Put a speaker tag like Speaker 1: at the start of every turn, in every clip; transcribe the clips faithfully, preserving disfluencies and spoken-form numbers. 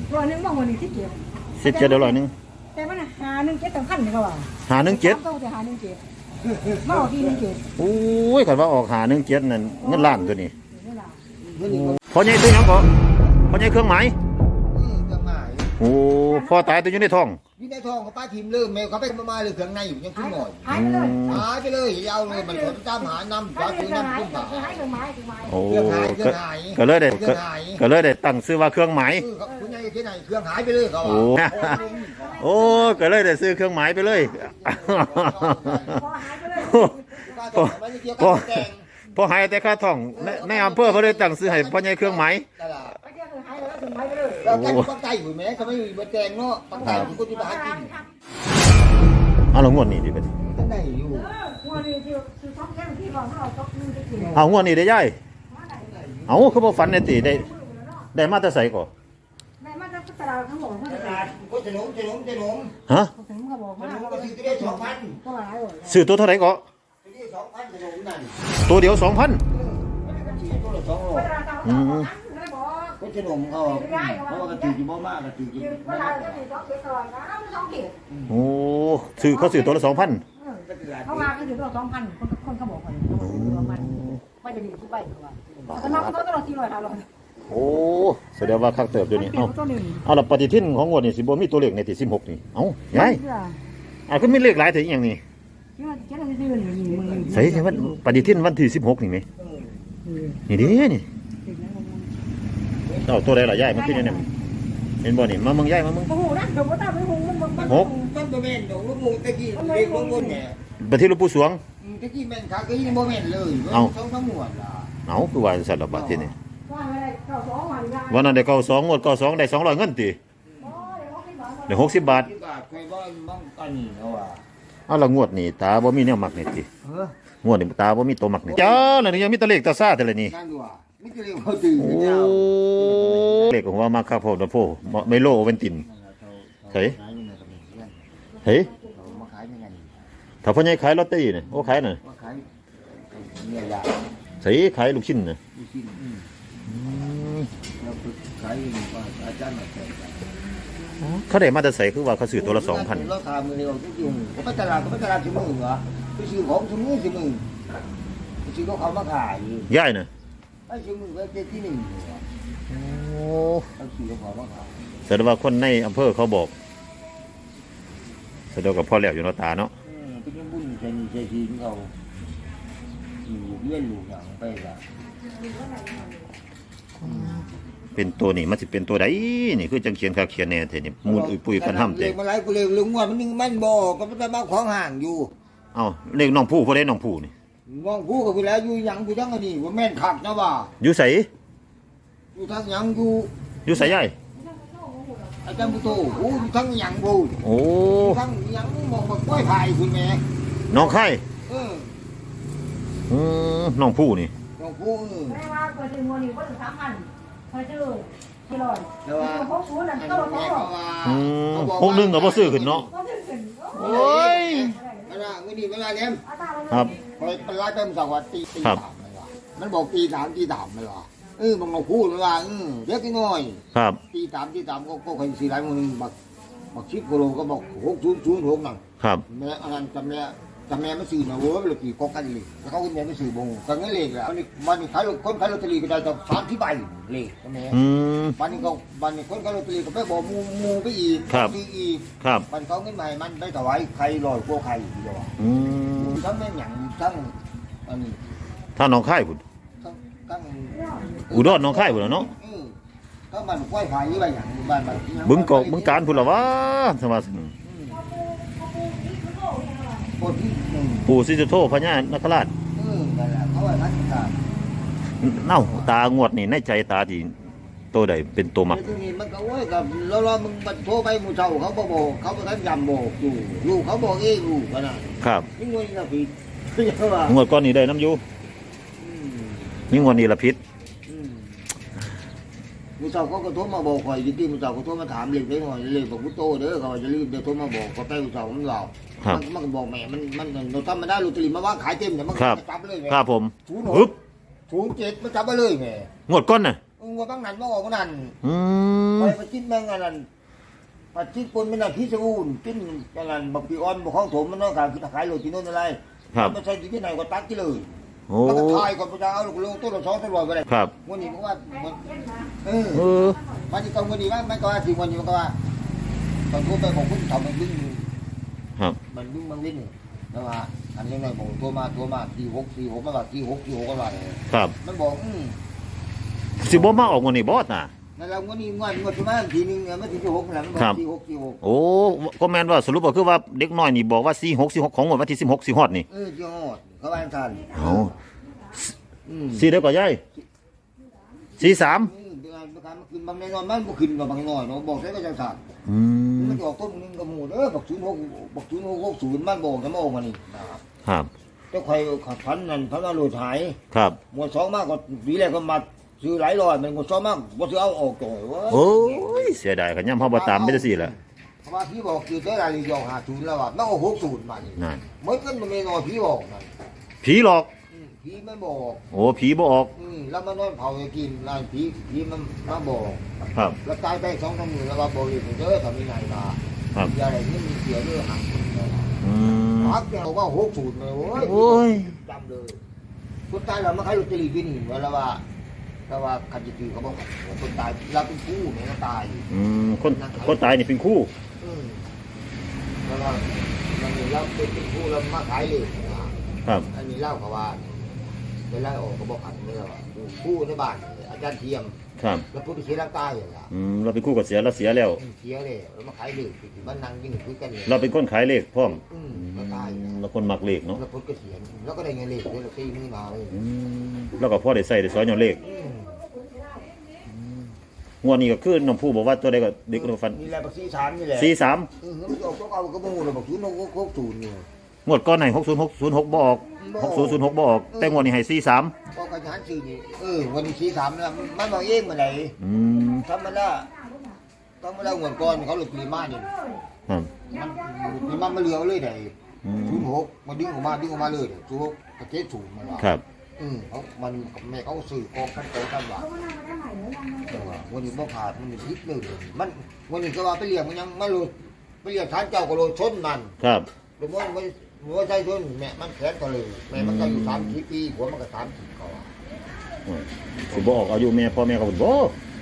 Speaker 1: ร้อยหนึ่งบางวันนี้ที่เก็บ
Speaker 2: สิบเจ็ดเดี๋ยวร้อยหนึ่ง
Speaker 1: แต่มันหาหนึ่งเจ็ดสำคัญนี่ก็ว่า
Speaker 2: หาหนึ่งเจ็ด
Speaker 1: ต้องจะหาหนึ่งเจ็ดมาออกที่หนึ่งเจ็ด
Speaker 2: โอ้ยขันว่าออกหาหนึ่งเจ็ดนั่นเงินล้านตัวนี้พอใหญ่ตัวยังก็พอใหญ่เครื่องหมาย
Speaker 3: เครื่องหมาย
Speaker 2: โอ้พอตายตัวอยู่ในท้อง
Speaker 3: อยู่ในท้องเขาป้าทิมเริ่มแมวเขาไปมาเลยเครื่องในอยู่ยังขึ้นหน่อย
Speaker 1: หายไปเลย
Speaker 3: หายไปเลยเอาเลยมันคนตามหาน้ำปลาคือน้ำขึ้นป่า
Speaker 2: โอ้ก็เลยได้ก็เลยได้ตั้งชื่อว่าเครื่องหมาย
Speaker 3: คุณยายที่ไหนเครื่องหายไปเลยเขา
Speaker 2: โอ้โอ้ก็เลยได้ซื้อเครื่องหมายไปเลยพอพอหายแต่ค่าท่องในอำเภอเขาเลยตั้งซื้อให้พ่อใหญ่เครื่องหมาย
Speaker 3: เราแค่ปักไก่อยู่ไหมเขาไม่มีใบแดงเนาะปักไก่คุณจะหากิน
Speaker 2: เอาลงงวดนี้ดิเป็น
Speaker 3: ท่านไหนอยู่
Speaker 2: เอางวดนี้ได้ย่ายเอาเขาบอกฟันในตีได้ได้มาแต่ใส่ก่อน
Speaker 1: ได้มาแต่ตลาดเขาบอกว่าตลาด
Speaker 3: ก็จะหลงจะหลงจะหลง
Speaker 2: ฮะ
Speaker 3: เขาบอกว่าก็ซื้อได้สองพัน
Speaker 2: ซื้อตัวเท่าไหร่ก่อนตัวเดียวสองพันอืม
Speaker 3: ก็จะหลงเขาเพราะว่ากระตือจีบมากกระตือจี
Speaker 2: โอ้ซื้อเขาซื้อตัวละสองพัน
Speaker 1: เขาว่าเขาซื้อตัวละสองพันคนคนเขาบอกว่ามันไม่จะดีที่ใบเขาว่าแต่น้องเขาต้องรอที่ร้อยห้าร้อย
Speaker 2: โอ้แสดงว่าคักเติบอยู่นี่เอาเอาละปฏิทินของงวดนี่สิบ่มีตัวเลขในที่สิบหกนี่เอ้ายายอ่ะก็มีเลขหลายถึงอย่างนี้ใส่ที่วันปฏิทินวันที่สิบหกนี่ไหมนี่ดินี่เอาตัวใดล่ะยายมันขึ้นยังไงเห็นบ่นี่มาเมืองยายมาเมือง
Speaker 1: โอ้โหนะเดี๋ยวว่าตาไปหงมันมัน
Speaker 2: หก
Speaker 3: ต้นตัวเมนดอกลูกมูตะกี้เด็กลงบนเนี่ย
Speaker 2: ปฏิทินหลวงปู่สวง
Speaker 3: ตะกี้แม่นขาก็ยังโมเมนเลย
Speaker 2: เอา
Speaker 3: สองทั้งหมดล่ะ
Speaker 2: เอาคือว่าสัตว์ระบาดที่นี่วันนั้นได้เก้าสองงวดเก้าสองได้สองร้อยเงินตีได้หกสิบบาท
Speaker 3: เคยบ้านบ้องกันเขาว่า
Speaker 2: เอาละงวดนี่ตาบ่มีแนวมักนี่ติงวดนี่ตาบ่มีตัวมักนี่จ้าแล้วนี่ยังมีตะเลขตาซ่าแต่ละนี่
Speaker 3: นี่คือเรียกว่าตื่น
Speaker 2: โอ้เลขของว่ามาคาโพดโพไมโลเวนตินเฮ้ยเฮ้ยถ้าพ่อใหญ่ขายลอตเตอรี่นี่โอ้ขายน่ะใส่ขายลูกชิ้นน่ะเขาได้มาแต่ใส่คือว่าเขาซื้อตัวละสองพัน
Speaker 3: เราทำมือเดียวทุกยุงเขาไปตลาดเขาไปตลาดชั่วโมงเหรอไปซื้อของชั่วโมงชั่วโมงไปซื้อของเขามาขาย
Speaker 2: ย่ายน่ะ
Speaker 3: ไปชั่วโมงไปเจอที่หนึ่ง
Speaker 2: โอ้
Speaker 3: เขาซื้อของเขามาขาย
Speaker 2: แสดงว่าคนในอำเภอเขาบอกแสดงกับพ่อแล้วอยู่นตาเนาะ
Speaker 3: เป็นยังบุญใจมีใจชีของเขาอยู่เลี้ยงอยู่อย่างไปละ
Speaker 2: เป็นตัวนี่มันจะเป็นตัวใดนี่คือจังเขียนคาเขียนแน่เท่นี่มูลอุ้ยปุยกันห้ามเต็
Speaker 3: มมาไล่กูเร็วเรื่องว่ามันยังมันบอกก็มันจะมาของห่างอยู่
Speaker 2: เอ้าเลขน้องผู้พอได้น้องผู้นี่
Speaker 3: น้องผู้กับกูแล้วอยู่ยังกูทั้งอันนี้ว่าแม่นขัดนะว่า
Speaker 2: อยู่ใส
Speaker 3: อยู่ทั้งยังอยู่
Speaker 2: อยู่ใสใหญ่
Speaker 3: อาจารย์ผู้โตกูทั้งยังบู
Speaker 2: โอ้
Speaker 3: ทั้งยังมองแบบกล้วยไผ่คุณแม่
Speaker 2: น้องไข่
Speaker 3: เออ
Speaker 2: อืมน้องผู้นี่
Speaker 3: น้องผู้
Speaker 1: ไม่ว่าเปิดถึงวันนี้ก็ถึงสามพันพอชื่อที่ลอยพกศูนย์นั่นก็ลอย
Speaker 2: อืมพกหนึ่งกับพ่อซื้อขึ้นเนาะโอ้ย
Speaker 3: เวลาเมื่อนี้เวลาเนี้ย
Speaker 2: ครับ
Speaker 3: ไปไปไล่ไปมันสวัสดีตีสามมันบอกตีสามตีสามมันหรอเออมันเราพูดมันว่าเออเรียกกี่น้อย
Speaker 2: ครับ
Speaker 3: ตีสามตีสามก็ก็เคยสี่หลายมือบักบักชิปโกโลก็บอกหกศูนย์ศูนย์หกนั่ง
Speaker 2: ครับ
Speaker 3: แม่อันนั้นจำแม่จำแม่ไม่สื่อนะเว้ยเลยกี่กกันเลยแล้วเขาคุณแม่ไม่สื่อบงกันงั้นเลยแหละวันนี้วันนี้ขายคนขายลอตเตอรี่ก็ได้แต่สามที่ใบเลยจำแม่วันนี้ก็วันนี้คนขายลอตเตอรี่ก็ไปบอกมูมูไปอีกซื้ออีกวันเขาเงินใหม่มันได้ถวายใครลอยพวกใครอยู่ดีวะทั้งแม่หยั่งทั้งอันนี้
Speaker 2: ถ้าน้องค่ายพุ่นอุดรน้องค่ายพุ่นแล้วเนาะ
Speaker 3: ก็มันกล้วยไผ่ยี่ใบหยั่งบ้านบ้าน
Speaker 2: บึงกอกบึงการพุ่นละวะสมาสิปู่ศรีสุโธพญานคราชเน่าตางวดนี่ในใจตาที่ตัวใดเป็นตัวมัก
Speaker 3: มันก็ว่ากับเราเรามึงมันโทรไปมูเช่าเขาบอกเขาบอกท่านยำบอกอยู่ลูกเขาบอกเองลูกกันนะครับนี่งวดนี้ละพิษ
Speaker 2: งวดก้อนนี้ได้น้ำยูนี่งวดนี้ละพิษ
Speaker 3: มูเช่าเขาก็โทรมาบอกคอยยิ่งที่มูเช่าเขาโทรมาถามเล็กเล็กหน่อยเล็กบอกกูโตเด้อเขาจะรีบเดี๋ยวโทรมาบอกก็ไปมูเช่าของเรามันมันบอกแม่มันมันเราทำมาได้ลูกตรีมาว่าขายเต็มเนี่ยมันจับเลยแม่
Speaker 2: ครับผม
Speaker 3: ศูนย์หกศูนย์เจ็ดมันจับไปเลยแม่
Speaker 2: งวดก้อนน่ะ
Speaker 3: งงวดบางนั้นบ่ออกนั่น
Speaker 2: อืม
Speaker 3: ไปไปกินแมงอันนั้นไปกินปนเป็นอันพิศวูนกินอันนั้นบักปีออนบักของถมมันต้องการกินขายโรตีโน่นอะไร
Speaker 2: ครับ
Speaker 3: มันใช่ที่ไหนก็ตัดที่เลย
Speaker 2: โอ้
Speaker 3: แล้วก็ทายก่อนประจาเอาลูกลูกต้นละสองต้นลอยไปเลย
Speaker 2: ครับ
Speaker 3: วันนี้มันว่ามันเออ
Speaker 2: เออ
Speaker 3: มันจะตรงวันนี้ว่ามันก็ว่าสิวันนี้มันก็ว่าตอนทั่วไปบอกคุณทำมันดึง
Speaker 2: ครับ
Speaker 3: มันดึงมันวิ่งแล้วว่าอันนี้ไงบอกตัวมาตัวมาสี่หกสี่หกมันก็สี่หกสี่หกก็ว่าเลย
Speaker 2: ครับ
Speaker 3: มันบอกอืม
Speaker 2: สิบ่มาออกงวดนี้บ่น่ะ
Speaker 3: นั่นเราวันนี้งวดงวดที่มาทีนึงมันถึงสี่หกแล้วมันบอก
Speaker 2: ครับ
Speaker 3: สี่หกสี่หก
Speaker 2: โอ้ก็แม่นว่าสรุปก็คือว่าเด็กน้อยนี่บอกว่าสี่หกสี่หกของงวดวันที่สิบหกสิฮอดนี่
Speaker 3: เออจังหวัดเขาบ้านท่าน
Speaker 2: เอ้า
Speaker 3: อืม
Speaker 2: สี่เด้อก็ยายสี่สาม
Speaker 3: อืมเป็นการเป็นการมันขึ้นบางแน่นอนมันบ่ขึ้นกับบางน้อยเนาะบอกใช้ก็จะสั่น
Speaker 2: อืม
Speaker 3: มันออกต้นนึงกับหมู่เด้อบอกศูนย์หกบอกศูนย์หกหกศูนย์มันบอกจะมาออกมานี่นะครับ
Speaker 2: ครับ
Speaker 3: เจ้าใครขัดพันนั่นพันมาโหลดหาย
Speaker 2: ครับ
Speaker 3: หมวดสองมากกว่าปีแรกก็มาซื้อหลายร้อยมันหมวดสองมากบ่ซื้อเอาออกจ่อยเว้ย
Speaker 2: โอ้ยเสียดายกันย่ำเฮาบ่ตามไปจังซี่แหละ
Speaker 3: เพราะว่าพี่บอกคือได้รายละเอียดหาศูนย์แล้วว่ามันเอาหกศูนย์มานี่
Speaker 2: นั่น
Speaker 3: เหมือนกันมันไม่น้อยพี่บอกนั่น
Speaker 2: ผีหลอก
Speaker 3: อืมพี่ไม่บอก
Speaker 2: โอ้ผีบ่ออก
Speaker 3: อืมแล้วมันนอนเผาไอ้กินร้านผีผีมันมาบอก
Speaker 2: ครับ
Speaker 3: แล้วตายไปสองสามหมื่นแล้วว่าบริสุทธิ์เด้อทำยังไงล่ะ
Speaker 2: ครับ
Speaker 3: มีอะไรนี่มีเสียเรื่องหัก
Speaker 2: อืม
Speaker 3: หักเนี่ยบอกว่าหกศูนย์เลยโอ้ย
Speaker 2: โอ้ย
Speaker 3: จำเลยคนตายเราไม่ใครลอตเตอรี่กินเวลาว่าแต่ว่าคันจิตเขาบอกคนตายเราเป็นผู้เนี่ยเราตาย
Speaker 2: อืมคนคนตายนี่เป็นคู่
Speaker 3: อืมแล้วก็มันนี่เราเป็นผู้เรามาขายเลยนะครับ อันนี้เล่าเขาว่าเวลาออกเขาบอกขันไม่เราผู้ในบ้านอาจารย์เทียม
Speaker 2: ครับ
Speaker 3: แล้วผู้ที่เสียร่างกายอย่างละ
Speaker 2: อืมเราเป็นคู่กับเสียเราเสียแล้ว
Speaker 3: เสียเลยแล้วมาขายเลยที่บ้านนั่งยิ่งคุยกันเลย
Speaker 2: เราเป็นคนขายเลขพร้อม
Speaker 3: อืม
Speaker 2: อื
Speaker 3: เราตาย
Speaker 2: มเราคนมักเลขเนาะ
Speaker 3: แล้วพุทธก็เสียแล้วก็ได้เงินเลยเราตีมือมาเลย
Speaker 2: อืมแล้วก็พ่อได้ใส่ได้สอนอย่างเลข
Speaker 3: อืม
Speaker 2: งวดนี้ก็คือน้องผู้บอกว่าตัวใดก็เด็กก็ฟัน
Speaker 3: นี่แหละบักซีสามนี่แหละ
Speaker 2: สี่สาม
Speaker 3: เออมันออกต้องเอากระมูเลยบักศูนย์หกหกศูนย์เนี่ย
Speaker 2: งวดก้อนไหนหกศูนย์หกศูนย์หกบ่ออกหกศูนย์ศูนย์หกบ่ออกแต่งวดนี้ให้สี่สาม
Speaker 3: ก็กระชั้นสื่อนี่เออวันนี้ซีสามแล้วมันบอกเองมาไหน
Speaker 2: อืม
Speaker 3: ธรรมดาธรรมดาเงินก้อนเขาหลุดปีมาเนี่ย
Speaker 2: ครับ
Speaker 3: มันปีมามาเลือเลยไหน
Speaker 2: อื
Speaker 3: ศูน
Speaker 2: ม
Speaker 3: ย์หกมาดึงออกมาดึงออกมาเลยศูนย์หกกระเทศศูนย์มาว่า
Speaker 2: ครับ
Speaker 3: อืมเขามันแม่เขาสื่อกองกันโตกันว่าแต่ว่าวันนี้บ่ผ่านมันพิษเลยมันวันนี้ก็ว่าไปเรียกมันยังไม่รู้ไปเรียกท่านเจ้าก็โดนชนมัน
Speaker 2: ครับ
Speaker 3: หรือว่ามันหัวใจชนแม่มันแขนก็เลยแม่มันก็อยู่สามสิบปีหัวมันก็สามสิบเขาว่า
Speaker 2: อืมสิบ่ออกอายุแม่พ่อแม่ก็บ่บ่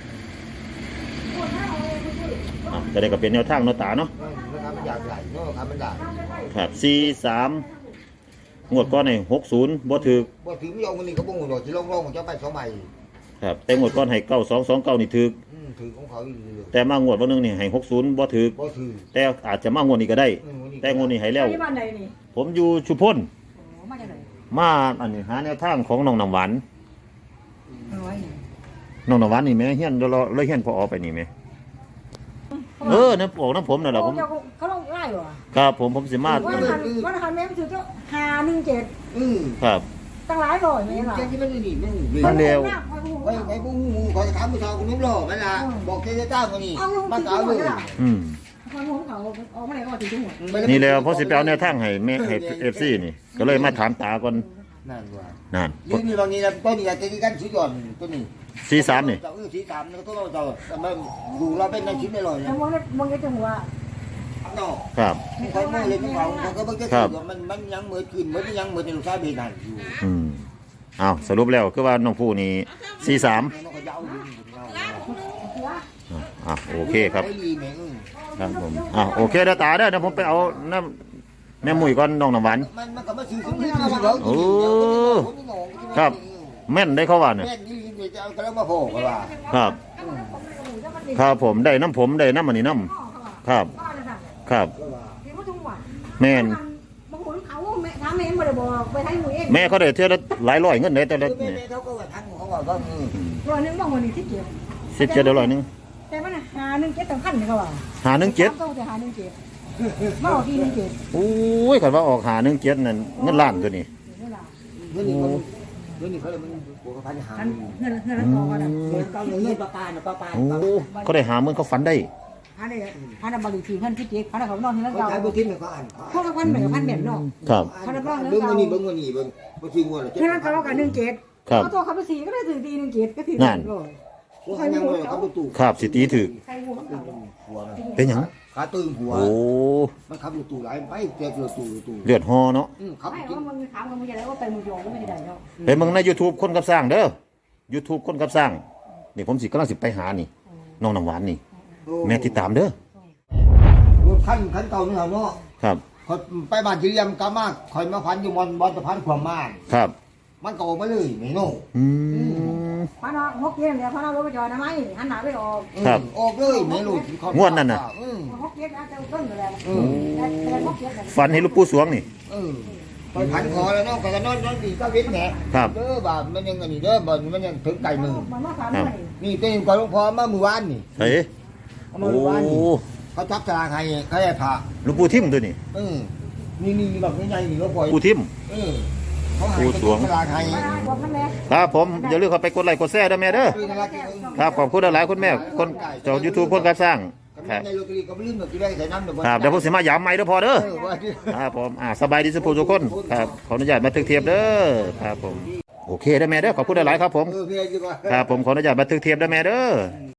Speaker 2: อ่ะจะได้ก็เป็นแนวทางเนาะตาเนาะ
Speaker 3: มันทำมันอยากไหลเนาะทำมันได้
Speaker 2: ครับสี่สามงวดก้อนให้หกศูนย์บ่ถือ
Speaker 3: บ่ถึงไม่เอาเงินนี่ก็บ่งหรอกที่ลงๆมันจะไปสองใบ
Speaker 2: ครับแต่งวดก้อนให้เก้าสองสองเก้านี่ถือ
Speaker 3: อืมถือของเขาอยู่เลย
Speaker 2: แต่มางวดวันนึงนี่ให้หกศูนย์บ่ถือ
Speaker 3: บ่ถือ
Speaker 2: แต่อาจจะมางวดนี้ก็ได้
Speaker 3: อืมวันนี้
Speaker 2: แต่งวดนี้ให้แล้ว
Speaker 1: ที่บ้านใดนี่
Speaker 2: ผมอยู่ชุมพล
Speaker 1: โอ้มาจากไหน
Speaker 2: มาอันนี้หาแนวทางของน้องน้ำหวาน
Speaker 1: ร้อยนี่
Speaker 2: น้องน้ำหวานนี่แม่เฮียนเดี๋ยวเราเลยเฮียนพอออกไปนี่แม่เออน้ำออกน้ำผมนั่นแหละผม
Speaker 1: โอ้เจ้าเขาลงไล่เหรอ
Speaker 2: ครับผมผมสิมา
Speaker 1: วันคันวันคันแม่ไปถือเจ้าหาหนึ่งเจ็ด
Speaker 3: อืม
Speaker 2: ครับ
Speaker 1: ตั้งหลายร้อยไหมล่ะ
Speaker 3: แค่ที่มันนี่มัน
Speaker 2: มันเร็ว
Speaker 3: ไว้ไว้บ่ฮู้ขอถามผู้ชายคนนู้นหรอมันล่ะบอกแค่จะจ้างคนนี้มาเอาเลย
Speaker 2: อืม
Speaker 1: คนหัวเขาออกมาไหนก็ถึงหัว
Speaker 2: นี่แล้วพอสิไปเอาแนวทางให้แม่ให้ เอฟ ซี นี่ ก็เลยมาถามตาก่อน
Speaker 3: นั่นว่า
Speaker 2: นั่น
Speaker 3: ยืนนี่บางนี้แล้วต้นนี้จะกันสุดยอดต้นนี้
Speaker 2: สี่สามนี่
Speaker 3: เจ้าเออสีสามนี่ก็ต้องเราเจ้าแต่มันดูเราเป็นในชิ้นไม่ลอย
Speaker 1: แต่
Speaker 3: นะ
Speaker 1: มองได้มองได้จังหวะ
Speaker 3: เนาะ
Speaker 2: ครับ
Speaker 3: เขาเมื่อเลยของเราเขาก็เบิ่งจะถือมันมันยังเหมือนคืนเหมือนยังเหมือนในลูกชายเบนันอยู่
Speaker 2: อืมเอาสรุปแล้วคือว่าน้องผู้นี่สี่สาม
Speaker 3: มันก็ยาวอยู่เรา
Speaker 2: อ่ะโอเคครับ
Speaker 3: ได้ดีแม่ง
Speaker 2: ครับผมอ่ะโอเคเด้อตาเด้อเดี๋ยวผมไปเอาน้ำแม่มุ้ยก่อนน้องน้ำหวาน
Speaker 3: มันมันก็มาซื้อของที่ซื้อเขา
Speaker 2: โอ้ ครับ แม่นได้เข้าว่าเนี่ย
Speaker 3: แม่นี่นี่จะเอากระมาโผล่กันว่า
Speaker 2: ครับ ครับผมได้น้ำผมได้น้ำมันนี่น้ำครับ ครับ แม่น
Speaker 1: บางคนเขาแม่ถามแม่ไม่ได้บอกไปให้หนูเอง
Speaker 2: แม่เขาได้เท่าละหลายร้อยเงินได้แต่ละ
Speaker 3: แม่
Speaker 2: เนี่ย
Speaker 3: เขาก็ว่าทั้งเขาว่าก็
Speaker 1: ร้อยนึงบางวันนี้ที่เก็บ
Speaker 2: สิบเจ็ดเดือนร้อยหนึง
Speaker 1: แต่มันหาหนึ่งเจ็ดสำคัญเขาว่า
Speaker 2: หาหนึ่งเจ็ด
Speaker 1: ต้องจะหาหนึ่งเจ็ดมาออกทีหนึ่งเจ็ด
Speaker 2: โอ้ยขันว่าออกหาหนึ่งเจ็ดนั่นเงินล้านตัวนี้
Speaker 3: เรื่องนี้มันเรื่องนี้เขาเลยมันหัวกระพันหา
Speaker 1: เงินเงินเงินทองกันอ่ะ
Speaker 3: เงินเก้าเงินปลาปลาเนาะปลาปลา
Speaker 2: โอ้เขาได้หาเงินเขาฝันได้
Speaker 1: อันนี้อันนั้นบริทีเงินที่เจ็ดอันนั้นเขานอนที่นั่น
Speaker 3: เขา
Speaker 1: เรา
Speaker 3: ขายบุทินเขาอ่าน
Speaker 1: พวกพันแบบพันแบบเนาะ
Speaker 2: ครับ
Speaker 3: เบิ้งวันนี้เบิ้งวันนี้เบิ้งบุทินวันละ
Speaker 1: ที่นั่นเขากันหนึ่งเจ็ด
Speaker 2: ครับ
Speaker 1: เขาตัวเขาไปสี่ก็ได้ถึงตีหนึ่งเจ็ดก็ถึงเลย
Speaker 3: โอ้ยยังเลยเขาตู้
Speaker 2: ครับสิตีถึก
Speaker 1: ใครงูเขาเก่า
Speaker 3: หัว
Speaker 2: เป็นหยัง
Speaker 3: ขาตึงหัว
Speaker 2: โอ้
Speaker 3: มันขับตู้หลายไปเจ็บตู้ตู้
Speaker 2: เลือดฮอเนาะ
Speaker 3: อืมขับ
Speaker 1: ไม่
Speaker 3: จริง
Speaker 1: ว่ามึงถามกันมึงจะได้ว่าเป็นมือโยงก็ไม่ได้เนาะ
Speaker 2: ไปเมืองใน YouTube คนกับสร้างเด้อ YouTube คนกับสร้างนี่ผมสิกำลังสิไปหานี่น้องน้ำหวานนี่ แม่ติดตามเด้อ
Speaker 3: ขั้นขั้นเก่านี่เหรอเนาะ
Speaker 2: ครับ
Speaker 3: คนไปบ้านจีเรียมกามากคอยมาพันอยู่บอลบอลสะพานขวามาน
Speaker 2: ครับ
Speaker 3: มันก็ออกมาเลยไม่โน่
Speaker 2: อืม
Speaker 1: พระนองฮกเย็นเดี๋ยวพระนองรถไปจอดนะไหมหันหน้าไปออก
Speaker 2: ครับ
Speaker 3: ออกเลยไม่รู้
Speaker 2: งวดนั้นน่ะ
Speaker 3: อืม
Speaker 1: ฮกเย็นอาจจะต้นอยู่แล้ว
Speaker 3: อืม
Speaker 1: แต่แต่ฮกเย็น
Speaker 2: ฝันเห็นหลูกปู่สวงนี่
Speaker 3: เออไปพันคอแล้วเนาะก็นอนนอนดีก็เว้นแหน
Speaker 2: ครับ
Speaker 3: เด้อบ่ามันยังอันนี้เด้อบ่มันยังถึงไก่มือ
Speaker 1: มันมาถามเลย
Speaker 3: นี่ตัวเองก่อนหลวงพ่อมาเมื่อวานนี่
Speaker 2: เฮ้ย
Speaker 3: เอามา
Speaker 2: โอ้
Speaker 3: เมื่อวานนี่เขาจับตารางให้เขาให้ผ่า
Speaker 2: หลูกปู่ทิมตัวนี้
Speaker 3: เออนี่นี่แบบใหญ่ๆนี่หลวงพ่อ
Speaker 2: ปู่ทิม
Speaker 3: เออเขาให้
Speaker 2: ผู้สวง
Speaker 3: ตารางให้
Speaker 1: มาได้บอกท่านแม่
Speaker 2: ครับผมอย่าลืมเข้าไปกดไลค์กดแชร์ด้วยแม่เด้อ
Speaker 3: คือนาฬิกา
Speaker 2: ครับขอบคุณหลายๆคุณแม่คนจาก YouTube คนกับสร้างค
Speaker 3: ค
Speaker 2: รั
Speaker 3: รับบ ในโรตารีก็ไม่ลืมแบบที่แรกใส่น้ำเดี๋ยว
Speaker 2: ครับเดี๋ยวผมสิมาย้ำใหม่เด้อพอเด้อ
Speaker 3: เออว่าที่
Speaker 2: ครับผมอ่าสบายดีสุขทุกคนครับขออนุญาตบันทึกเทียบเด้อครับผมโอเคได้อแม่เด้อขอบคุณหลายๆครับผม
Speaker 3: เออพี่ไอ้ดีกว่า
Speaker 2: ครับผมขออนุญาตบันทึกเทียบได้อแม่เด้อ